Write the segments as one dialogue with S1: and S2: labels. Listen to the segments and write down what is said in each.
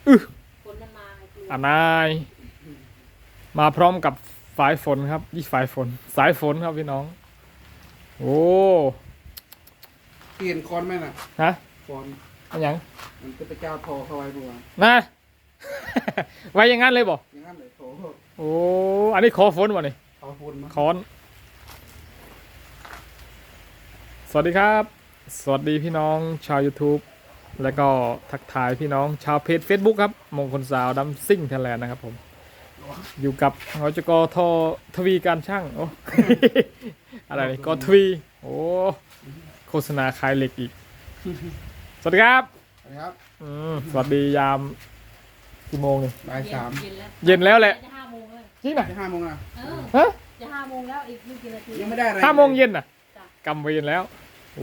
S1: ฝนมันมาไงคือ
S2: นายมาพร้อมกับสายฝนครับยี่สายฝนสายฝนครับพี่น้องโอ้
S3: เปลี่ยนคอนไหมน่ะ
S2: ฮะ
S3: คอน
S2: อันยัง
S3: มันจะไปเจ้าทอเข้าไว้บัว
S2: นะ ไว้อย่างงั้นเลยบ่
S3: อย่างนั้นเลยโถ
S2: โอ้อันนี้ขอฝนบ่นี่
S3: เอาฝุ่นมา
S2: ค้อนสวัสดีครับ สวัสดีพี่น้องชาว YouTube แล้วก็ทักทายพี่น้องชาวเพจ Facebook ครับมงคลสาวดัมซิ่งไทยแลนด์นะครับผมอยู่กับหจกททวีการช่างโอ้ อะไรนี่กทวีโอ้โฆษณาขายเหล็กอีก สวัสดีครับ
S3: นะครับ
S2: สวัสดียามกี่โมงนี่
S3: บ่ายสาม
S1: เย็นแล้ว
S2: เย็นแล้วแหละ
S1: จะ5 โมงแล้ว
S2: จริงนะ
S3: จะ5 โมงอ่ะ
S1: เออ
S2: ฮะ
S1: จะ5 โมงแล้วอีกไม่กี่นาที
S3: ยังไม่ได้อะไร
S2: 5 โมงเย็นน่ะ
S1: จ้ะ
S2: กำเวรแล้วโอ้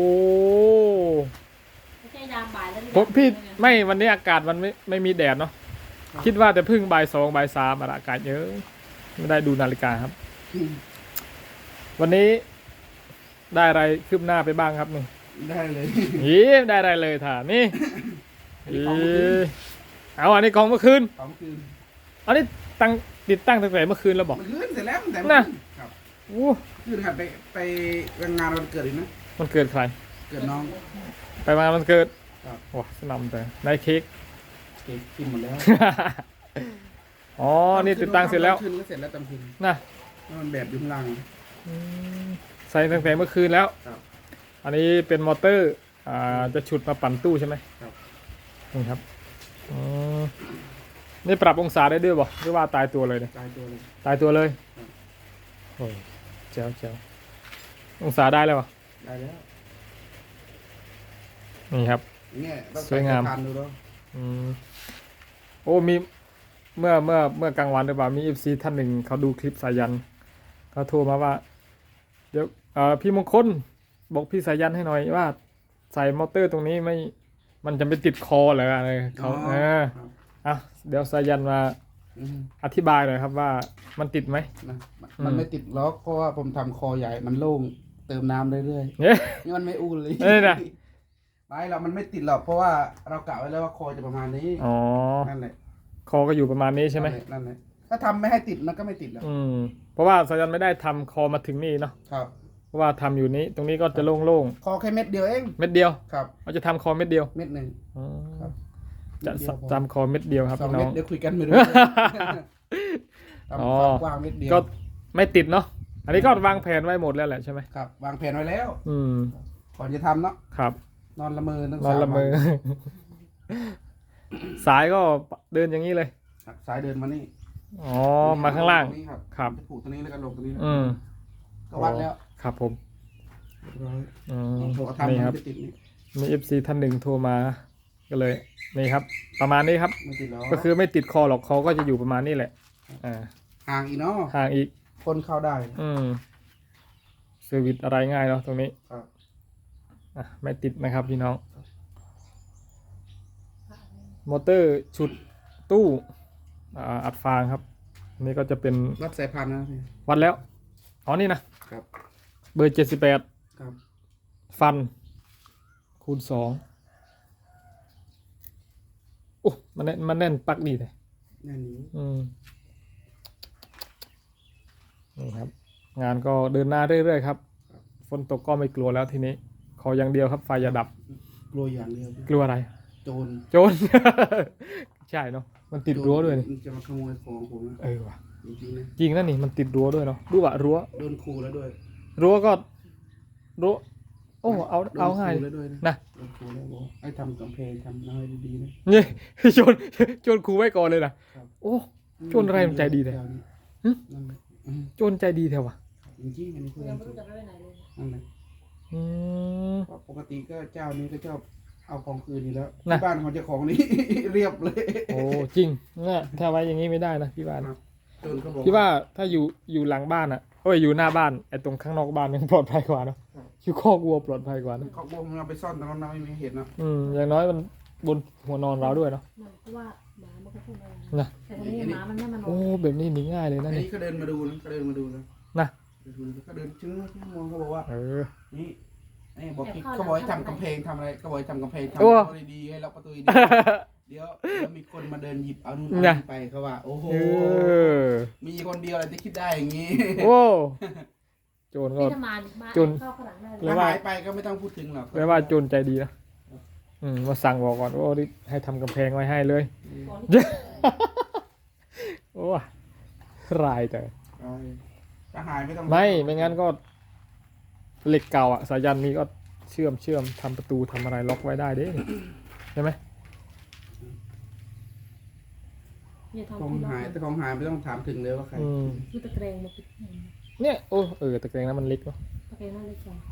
S1: ไม่ใช่ยามบ่ายแล้วนี่
S2: ผมพี่
S1: ยามเย็น
S2: ไม่วันนี้อากาศมันไม่มีแดดเนาะคิดว่าแต่พึ่งบ่าย 2บ่าย 3อากาศเยอะไม่ได้ดูนาฬิกาครับ วันนี้ได้อะไรคืบหน้าไปบ้างครับนี่
S3: ได้เลย
S2: ได้อะไรเลยถ่านี่
S3: ของเมื่อคืน
S2: เอาอันนี้ของเมื่อคืน
S3: ของเมื่อคืน
S2: อันนี้ติดตั้งตั้งแต่เมื่อคืนแล้วบอก
S3: เมื่อคืนเสร็จแล้วแต่
S2: น่ะ
S3: ครับ
S2: โอ้
S3: คืนหัดไปงานวันเกิดอีกนะ
S2: มันเกิดใคร
S3: เกิดน้อง
S2: ไปมามันเกิด
S3: ครับ
S2: ว้าสนำแต่ได้เค้ก
S3: เก็บกินหมดแล้ว
S2: อ๋อนี่ติดตั้งเสร็จแล้ว
S3: คืนก็เสร็จแล้วตามคืน
S2: นะ
S3: แล้วมันแบบอยู่ข้างล่าง
S2: อืมใส่ตั้งแต่เมื่อคืนแล้ว
S3: ครับ
S2: อันนี้เป็นมอเตอร์จะฉุดมาปั่นตู้ใช่ไหม
S3: ครับ
S2: นี่ครับอืมนี่ปรับองศาได้ด้วยบ่หรือว่าตายตัวเลยเนี่ย
S3: ตายตัวเลย
S2: ตายตัวเลย
S3: ครับ
S2: โอ้ยเจ้าองศาได้แล้ววะ
S3: ได้แล้ว
S2: นี่ครับ
S3: เนี่ยต้อง
S2: สวยงาม
S3: ทานดูแล้ว
S2: อืมโอ้มีเมื่อกลางวันหรือเปล่ามี FC ท่านหนึ่งเขาดูคลิปสายันเขาโทรมาว่า เดี๋ยวพี่มงคลบอกพี่สายันให้หน่อยว่า ใส่มอเตอร์ตรงนี้ไม่มันจะไปติดคอเหรออะไรเขา
S3: ครับ
S2: อ่ะเดี๋ยวสายันมา
S3: อืม
S2: อธิบายหน่อยครับว่ามันติดไหม
S3: นะมันไม่ติดล็อกเพราะว่าผมทำคอใหญ่มันโล่งเติมน้ำเรื่อย
S2: เนี่ย
S3: ๆนี่มันไม่อู้เลย
S2: เอ้ยนะ
S3: ไม่เรามันไม่ติดหรอกเพราะว่าเรากะไว้แล้วว่าคอจะประมาณนี้
S2: อ๋อ
S3: นั่นแหละ
S2: คอก็อยู่ประมาณนี้ใช่ไหม
S3: นั่นแหละถ้าทำไม่ให้ติดมันก็ไม่ติดหรอก
S2: เพราะว่าสายันไม่ได้ทำคอมาถึงนี่เนาะ
S3: ครับ
S2: เพราะว่าทำอยู่นี้ตรงนี้ก็จะโล่ง
S3: คอแค่เม็ดเดียวเอง
S2: ๆเม็ดเดียว
S3: ครับ
S2: เราจะทำคอเม็ดเดียว
S3: เม็ดหนึ่ง
S2: อ๋อ
S3: ครับ
S2: จะ
S3: เม็ดเดียวพอ
S2: จำคอเม็ดเดียวครับ
S3: สอง
S2: พี่น้
S3: เม็
S2: อ
S3: ด
S2: ง
S3: เดี๋ยวคุยกันไม่รู้
S2: อ๋อ
S3: ทำความกว้างเม็ดเดียว
S2: ก็ไม่ติดเนาะอันนี้ก็วางแผนไว้หมดแล้วแหละใช่ไหม
S3: ครับวางแผนไว้แล้ว
S2: อืม
S3: ก่อนจะทำเนาะ
S2: ครับ
S3: นอนละเมอตั้ง
S2: นอนละเมอ
S3: 3 วัน
S2: สายก็เดินอย่างนี้เลย
S3: ครับสายเดินมานี่
S2: อ๋อมาข้างล่าง
S3: ตรนี้ครับ
S2: ครับ
S3: จะผูกตรงนี้แล้วก็ลงตรงนี้
S2: อืม
S3: ก็วัดแล้ว
S2: ครับผม
S3: เรียบร้อย
S2: อืม
S3: พอทำ
S2: นี่
S3: มัน
S2: ครับ
S3: ไม่ติดนี่
S2: มี FC ท่านหนึ่งโทรมาก็เลยนี่ครับ ประมาณนี้ครับ
S3: ไม่ติดหรอก
S2: ก็คือไม่ติดคอหรอกคอก็จะอยู่ประมาณนี้แหละอ่า
S3: ห่างอีกเนาะ
S2: ห่างอีก
S3: คนเข้าได้
S2: เซอร์วิสอะไรง่ายเนาะตรงนี้
S3: ครับ
S2: ไม่ติดนะครับพี่น้อง มอเตอร์ฉุดตู้อัดฟางครับอันนี้ก็จะเป็น
S3: วัดสายพันธุ์นะพี่
S2: วัดแล้วอ๋อนี่นะครับ เบอร์78
S3: ครับ
S2: ฟันคูณ2โอ้มันแน่นปักดีเลย
S3: แน่นอยู่
S2: นี่ครับ งานก็เดินหน้าเรื่อยๆครับฝนตกก็ไม่กลัวแล้วทีนี้ ขออย่างเดียวครับไฟอย่าดับ
S3: กลัวอย่างเดียว
S2: กลัวอะไร
S3: โจร
S2: โจร ใช่เนาะมันติดรั้วด้วยนี่
S3: มันจะมาขโมยของผมนะ
S2: ว่ะ
S3: จริงๆนะ
S2: จริงนะนี่มันติดรั้วด้วยเนาะดูว่ารั้ว
S3: โดนขู่แล้วด้วย
S2: รั้วก็รั้วโอ้เอา
S3: โดน
S2: เอาง่าย
S3: ขู่แล้วด้วยนะ
S2: นะ
S3: โดนขู่แล้วบอกให้ทำกำแพงทำน้อยดีๆนะ
S2: นี่ โจรครูไว้ก่อนเลยนะโอ้ โจรอะไรมันใจดีแท้ หึ
S3: นั่นแหละอืม
S2: โจรใจดีแท้วะ
S3: จริงๆอันนี้เพื่อน
S1: ยังไม่รู้จะไปไหนเลย
S3: นั่นแหละ
S2: อืม
S3: เพราะปกติก็เจ้านี้ก็ชอบเอาของคืนอยู่แล้ว
S2: นะ
S3: ที่บ้านของเจ้าของนี่ เรียบเลย
S2: โอ้จริงเนี่ยถ้าไว้อย่างนี้ไม่ได้นะพี่บ้าน
S3: ครับ โจรเขาบอก
S2: พี่ว่าถ้าอยู่หลังบ้านอ่ะโอ้ยอยู่หน้าบ้านไอ้ตรงข้างนอกบ้านยังปลอดภัยกว่าเนอะอยู่คอกวัวปลอดภัยกว่านะ
S3: เขาบอกมันเอาไปซ่อนตรงนั้นนะไม่มีเห็นนะ
S2: อย่างน้อยมันบนหัวนอนเราด้วยเนาะ
S1: มันเพราะว่าหมามันก็พูดอะไร
S2: นะ
S1: แต่ทีนี้หมามันไม่มานอ
S2: โอ้
S1: น
S2: แบบนี้หนีง่ายเลย
S3: อั
S2: นะ
S3: น
S2: นี่
S3: นี้เขาเดินมาดูนะเขาเดินมาดูนะ
S2: นะ
S3: เขาเดินชึ้งมองเขาบอกว่า
S2: เออ
S3: นี่บอกเขาบอกให้ทำกำแพงทำอะไรเขาบอกให้ทำกำแพงทำ
S2: โอ้
S3: ประตูดีๆให้ล็อกประตูดีเดี๋ยวมีคนมาเดินหยิบเอานู่น
S2: เนี่ย
S3: เอานี่ไปเขาว่า โอ้โห
S2: เออ
S3: มีคนเดียวอะไรที่คิดได้อย่างนี้
S2: โอ้โจรก็
S1: นี่ถ้ามา
S2: จุน
S1: เข้าข้างหลังได้
S2: แล้
S1: เล
S2: ว
S1: ย
S2: ว่า
S3: หายไปก็ไม่ต้องพูดถึงหรอก
S2: แปลว่าโจรใจดีนะมาสั่งบอกก่อนโอ้นี่ให้ทำกำแพงไว้ให้เลย
S1: ก่อนที่จะ
S2: โอ้รายแต่
S3: ถ้าหายไม่ต้อง
S2: ไม่งั้นก็เหล็กเก่าอ่ะสายันนี้ก็เชื่อมทำประตูทำอะไรล็อกไว้ได้เด้ใช่ไหม
S1: อย่าทำ
S3: ของ
S1: ที่เรา
S3: หายแต่ของหายไม่ต้องถามถึงเลยว่าใคร
S1: คือตะแกรงมาปิด
S2: เนี่ยโอ้ตะแกรงนั้นมันเล็กเนาะ
S1: ตะแกรงน่าเล็กจัง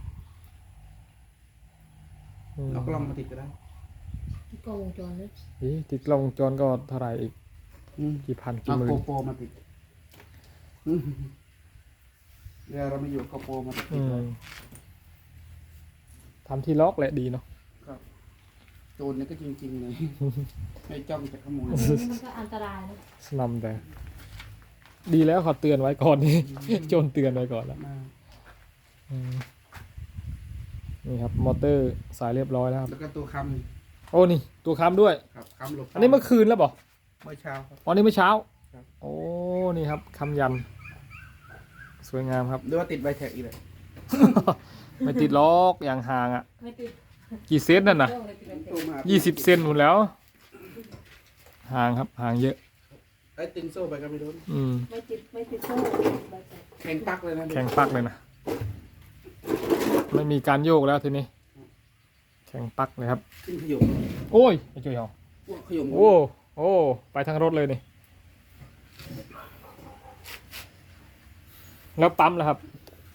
S3: เอากล้องมาติดก็ได้
S1: ที่กล้องวงจรเลย
S2: ติดกล้องวงจรก็เท่าไหร่อีก
S3: อืม
S2: กี่พันกี่
S3: เอา
S2: หมื่
S3: โก
S2: น
S3: โปรมาติดเวลาเราไม่อยู่โกโปรมาติดไว้
S2: ทำที่ล็อกแหละดีเนาะ
S3: ครับโจรเนี่ยก็จริงๆเลย ให้จ้องจะขโมย
S1: อันนี้มันก็อันตรายนะ
S2: สนำแต่ ดีแล้วเขาเตือนไว้ก่อนนี่ โจรเตือนไว้ก่อนแล้ว
S3: มา
S2: นี่ครับมอเตอร์สายเรียบร้อยแล้วครับ
S3: แล้วก็ตัวค
S2: โอ้นี่ตัวค้ำด้วย
S3: ำครับคำหลบ
S2: อันนี้เมื่อคืนแล้วบอก
S3: เมื่อเช้าครับ
S2: อ๋อนี่เมื่อเช้า
S3: ครับ
S2: โอ้นี่ครับค้ำยัน สวยงามครับ
S3: หรือว่าติดใบแท็กอีกเลย
S2: ไม่ติดล็อกอย่างห่างอ่ะ
S1: ไม่ติด
S2: กี่เซนนั่นน่ะ
S1: กล้องเลยติดเลยติด
S3: ตัวมา
S2: 20 เซนหมดแล้ว ห่างครับห่างเยอะ
S3: ไอ้ตึงโซ่ไปก็ไม่โดน
S1: ไม่ติดโซ่ใบแตก
S3: แข็งปักเลยนะ
S2: แข็งปักเลยนะ ไม่มีการโยกแล้วทีนี้ แข็งปักเลยครับ
S3: ขึ้นขยม
S2: โอ้ยไอ้จุ๋ยเหรอ
S3: ขยม
S2: โอ้ไปทางรถเลยนี่ แล้วปั๊มแล้วครับ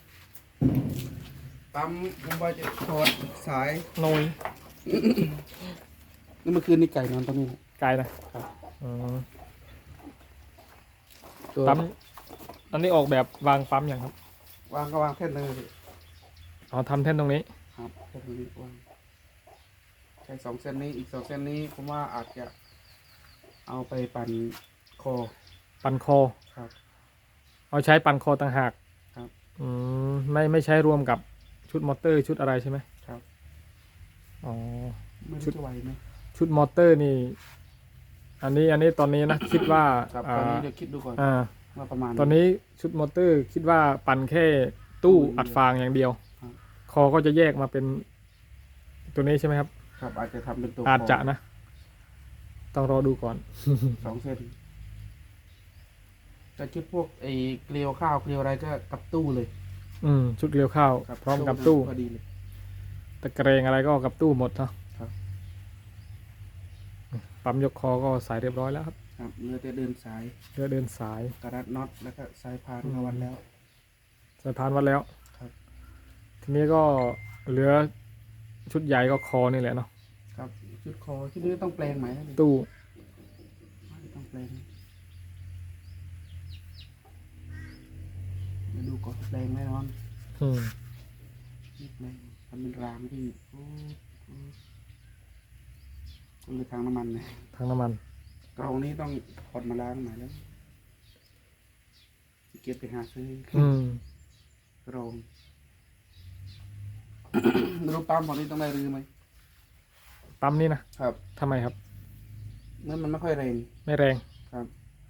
S3: ปั๊มผมว่าจะถอดสาย
S2: โนย
S3: นี่เมื่อคืนนี่ไก่นอนตรงนี้
S2: ไกลนะอืม
S3: ตัว
S2: ปั๊มอันนี้ออกแบบวางปั๊มอย่างครับ
S3: วางก็วางแท่นเลย
S2: อ๋อทำแท่นตรงนี้
S3: ครับแท่นนี้วางใช้2 เส้นนี้อีก2 เส้นนี้ผมว่าอาจจะเอาไปปั่นคอ
S2: ปั่นคอ
S3: ครับ
S2: เอาใช้ปั่นคอต่างหาก
S3: ครับ
S2: ไม่ใช้รวมกับชุดมอเตอร์ชุดอะไรใช่ไหม
S3: ครับ
S2: อ๋อ
S3: ไม่
S2: ชุ
S3: รู้
S2: ด
S3: จะไหวไหม
S2: ชุดมอเตอร์นี่ อันนี้ตอนนี้นะ คิดว่า
S3: ครับตอนนี้เดี๋ยวคิดดูก่อน
S2: อ่า
S3: ว่าประมาณ
S2: ตอนนี้ชุดมอเตอร์คิดว่าปั่นแค่ตู้อัดฟางอย่างเดียว
S3: ครับ
S2: คอก็จะแยกมาเป็นตัวนี้ใช่ไหมครับ
S3: ครับอาจจะทำเป็นตัว
S2: อาจจะ
S3: ค
S2: นะ ต้องรอดูก่อน
S3: 2 เส้นแต่ชุดพวกไอ้เกลียวข้าวเกลียวอะไรก็กับตู้เลย
S2: ชุดเกลียวข้าว
S3: ครับ
S2: พร้อมกับตู้
S3: พอดีเลย
S2: ตะแกรงอะไรก็กับตู้หมดเนาะ
S3: ครับ
S2: ปั๊มยกคอก็สายเรียบร้อยแล้วครับ
S3: ครับเรือจะเดินสาย
S2: เพื่อเดินสาย
S3: กระรัดน็อตแล้วก็สายพานมาวันแล้ว
S2: สายพานวัดแล้ว
S3: ครับ
S2: ทีนี้ก็เหลือชุดใหญ่ก็คอนี่แหละเนาะ
S3: ครับชุดคอที่นี่ต้องแปลงไหม
S2: ตู้
S3: ต้องแปลงเดี๋ยวดูก่อนแปลงแน่นอน
S2: อืม
S3: นี่แปลงทำเป็นรางที่ก็เลยทางน้ำมันเลย
S2: ทางน้ำมัน
S3: กรองนี้ต้องถอดมาล้างใหม่แล้วเก็บไปหาซื้อ
S2: อืม
S3: กรอง รูปปั๊มของนี้ต้องได้รื้อไหม
S2: ปั๊มนี่นะครับ ทำไมครับ
S3: เมื่อมันไม่ค่อยแรง
S2: ไม่แรง
S3: ครับ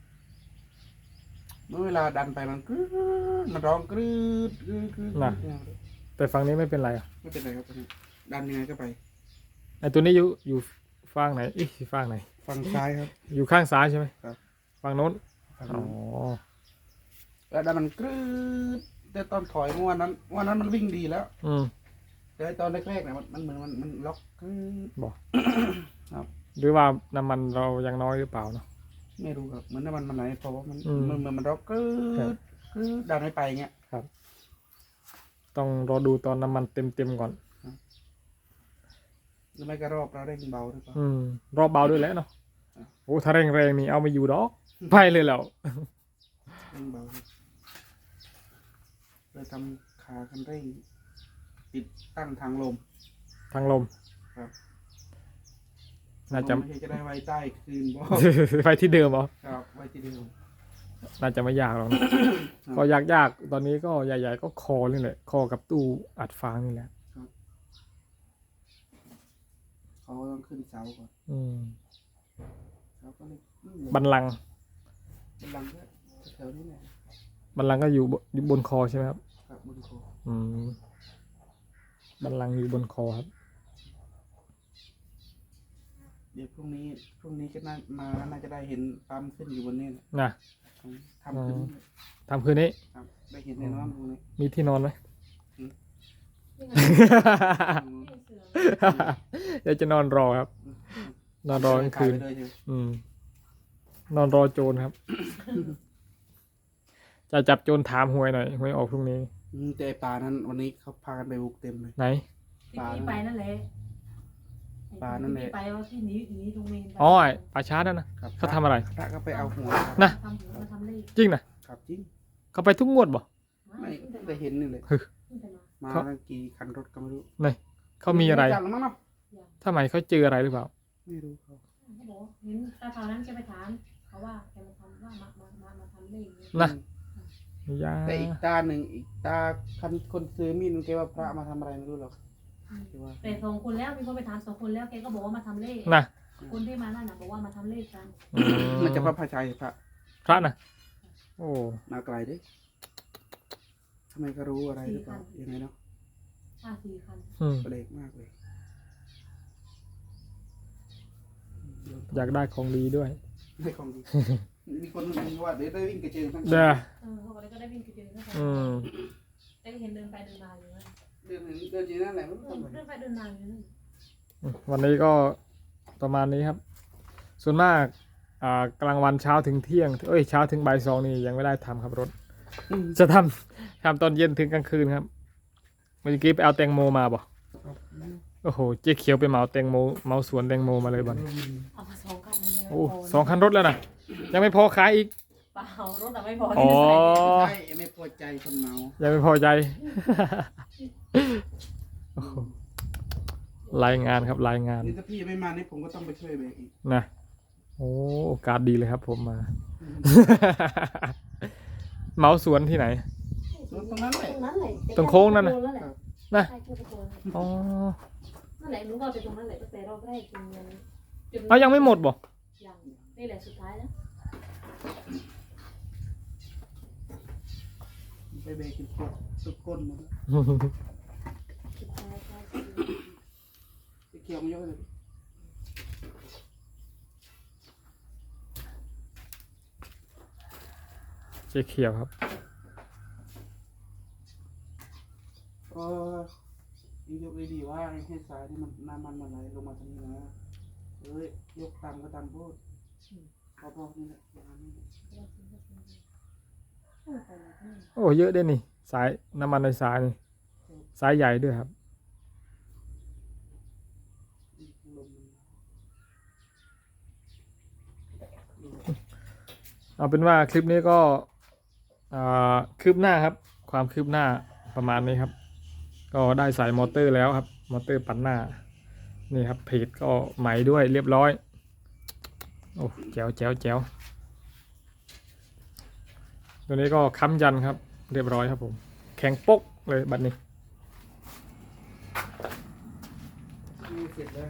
S3: เมื่อเวลาดันไปมันกรึ๊ดมันร้องกรึ๊ดกรึ๊ดกรึ๊ด
S2: น่ะ แต่ฝั่งนี้ไม่เป็นไรอ่ะ
S3: ไม่เป็นไรครับตอนนี้ดันยังไงก็ไป
S2: ไอตัวนี้อยู่ฝั่งไหนอีกฝั่งไหน
S3: ฝั่งซ้ายครับ
S2: อยู่ข้างซ้ายใช่ไหม
S3: ครับ
S2: ฝั่งโน้น
S3: ฝั่ง
S2: อ๋อ
S3: นู้นแล้วดันมันกรึ๊ดแต่ตอนถอยเมื่อวันนั้นมันวิ่งดีแล้ว
S2: อืม
S3: แต่ตอนแรกๆเนี่ยมันเหมือนมันล็อกกรึ๊ด
S2: บอก
S3: ครับ
S2: หรือว่าน้ำมันเรายังน้อยหรือเปล่าเนาะ
S3: ไม่รู้ครับเหมือนน้ำมันไหลเพราะว่ามัน
S2: อืม
S3: มันล็อกกรึ๊
S2: ครับ
S3: ดกรึ๊ดดันไม่ไปเงี้ย
S2: ต้องรอดูตอนน้ำมันเต็มก่อน
S3: หรือไม่ก็รอบเราเร่งเบาหรือเปล่า
S2: รอบเบาด้วยแหล้วเนาะ
S3: อ่ะ
S2: โอ้ถ้าแรงๆนี่เอาไม่อยู่ดอก ไปเลยแล้ว
S3: เร่งเบาเลยทำขาคันเร่งติดตั้งทางลม
S2: ทางลม
S3: ครับ
S2: น่าจะ
S3: ไม่ใช่จะได้ไว้ใต้คืนบ่
S2: ไปที่เดิมเหรอ
S3: ครับไว้ที่เดิม
S2: น่าจะไม่ยากหรอกนะ ก็ยากตอนนี้ก็ใหญ่ๆก็คอนี่แหละ คอกับตู้อัดฟางนี่แหละ
S3: เขาต้องขึ้นเสาก่อน
S2: อืม
S3: ก็เลย
S2: บัลลังก์
S3: บัลลังก์ก็แถวนี้แหละ
S2: บัลลังก์ก็อยู่บนคอใช่ไหมครับ
S3: ครับบนคอ
S2: อืมบัลลังก์อยู่บนคอครับ
S3: เดี๋ยวพรุ่งนี้ก็น่าจะได้เห็นปั๊มขึ้นอยู่บนนี้แหละ
S2: นะ
S3: ทำขึ้น
S2: ทำคืนนี้
S3: ครับได้เห็นแน่นอนพรุ่งนี้
S2: มีที่นอนไหม
S1: นี่ไงนี่เสือ
S2: เดี๋ยวจะนอนรอครับ นอนรอกลางคืน
S3: ถ่ยไปเลยใช่ไหม
S2: นอนรอโจรครับ จะจับโจรถามหวยหน่อยหวยออกพรุ่งนี้
S3: แต่ไอ้ปลานั้นวันนี้เขาพากันไปบุกเต็มเลย
S2: ไหน
S1: ที่พี่ไปนั่นแหละ
S3: ปลานั่นแหละ
S1: ที่พี่ไปว่าที่หนีตรงเมนไป
S2: อ๋อไอ้ป่าช้านั่นนะครับ เขาทำอะไร
S3: พระก็ไปเอาหัว
S2: นะ
S1: ทำหัวมาทำเลข
S2: จริงนะครับ
S3: จริง
S2: เขาไปทุกงวดบ่
S3: ไม่
S1: เพิ่ง
S3: ได้เห็นนี่เลย
S1: เพิ่งจะมา
S3: มาตั้งกี่คันรถก็ไม่รู้
S2: เขามีอะไร
S3: จับแล้วมั้งเนาะ
S2: ทำไมเขาเจออะไรหรือเปล่า
S3: ไม่รู้เขา
S1: เขาบอกเห็นตาเท่านั้นแกไปถามเขาว่าแกมาทำว่ามาทำเลขเนี่ย
S2: นะ ยา
S3: แต่อีกตาหนึ่งอีกตาคนซื้อมีดมันแกว่าพระมาทำอะไรไม่รู้หรอกแกว่า
S1: แต่สองคนแล้วมีคนไปถามสองคนแล้วแกก็บอกว่ามาทำเลข
S2: นะ
S1: คนที่มานั่นน่ะบอกว่ามาทำเลขกัน
S2: อื
S3: มันจะพระพาชัยพระ
S2: พระนะโอ้
S3: มาไกลเด้ทำไมก็รู้อะไรหรือเปล่ายังไงเนาะ
S1: 4 คัน
S3: แปลกมากเลย
S2: อยากได้ของดีด้วย
S3: ให้ของดีมีคนนึงว่าเดี๋ยวได้วิ่งกระเจิงทั้ง
S2: เด้อ
S1: เขาบอกแล้วก็ได้วิ่งไปเจอเขา
S2: อืม
S1: ได้เห็นเดินไปเดินมาอยู่นั่น
S3: เดินอยู่นั่นแหละไม่รู้ทำไม
S1: เดินไปเดินมาอยู่นั่น
S2: วันนี้ก็ประมาณนี้ครับ ส่วนมากกลางวันเช้าถึงเที่ยงเช้าถึงบ่ายสองนี่ยังไม่ได้ทำครับรถ จะทำตอนเย็นถึงกลางคืนครับเมื่อกี้ไปเอาแตงโมมาบ่โอ้โหเจ๊เขียวไปเหมาแตงโมเหมาสวนแตงโมมาเลยบ่
S1: เอามา2 คันเลยนะ
S2: โอ้2 คันรถแล้วนะยังไม่พอขายอีก
S1: เปล่ารถแต่ไม่พอ
S2: อ๋อ
S3: ใช่ไม่พอใจคนเมา
S2: ยังไม่พอใจ โอ้โหรายงานครับรายงาน
S3: นี่ถ้าพี่ไม่มานี่ผมก็ต้องไปช่วยเบรกอีก
S2: นะโอ้โอกาสดีเลยครับผมมา เหมาสวนที่ไหน
S3: ตรงนั้นแหละ
S1: ตรงนั้นแหละ
S2: ตรงโค้งนั่นน่ะ นะ
S1: ใช่ตรงโค้ง
S2: อ๋อ
S1: นั่นแหละหนูก็ไปตรงนั้นแหละตั้งแต่รอบแรกจน
S2: เอายังไม่หมดบ่
S1: ยังนี่แหละสุดท้ายแล้ว
S3: ไปเบรกกินสุดก้นหมด
S1: สุดท้ายใช่
S3: ไปเกี่ยวมันเยอะเลย
S2: เจ๊เขียวครับ
S3: ก็ยกดีๆว่าให้สายนี่มันน้ำมันไหลลงมาตรงนี้นะยกต่ำก็ต่ำพูดพอๆนี่แหละประมาณนี้
S2: โอ้เยอะด้วยนี่สายน้ำมันในสายนี่สายใหญ่ด้วยครับ
S3: ลมมัน
S2: เอาเป็นว่าคลิปนี้ก็คืบหน้าครับ ความคืบหน้าประมาณนี้ครับ ก็ได้ใส่มอเตอร์แล้วครับ มอเตอร์ปั่นหน้านี่ครับเพจก็ใหม่ด้วยเรียบร้อยโอ้แจ๋วแจ๋วแจ๋วตัวนี้ก็ค้ำยันครับเรียบร้อยครับผมแข็งปกเลยบัดนี้
S3: นี่เสร็จแล้ว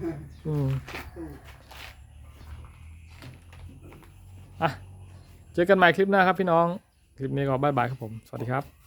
S2: เจอกันใหม่คลิปหน้าครับพี่น้อง คลิปนี้ก็บ๊ายบายครับผม สวัสดีครับ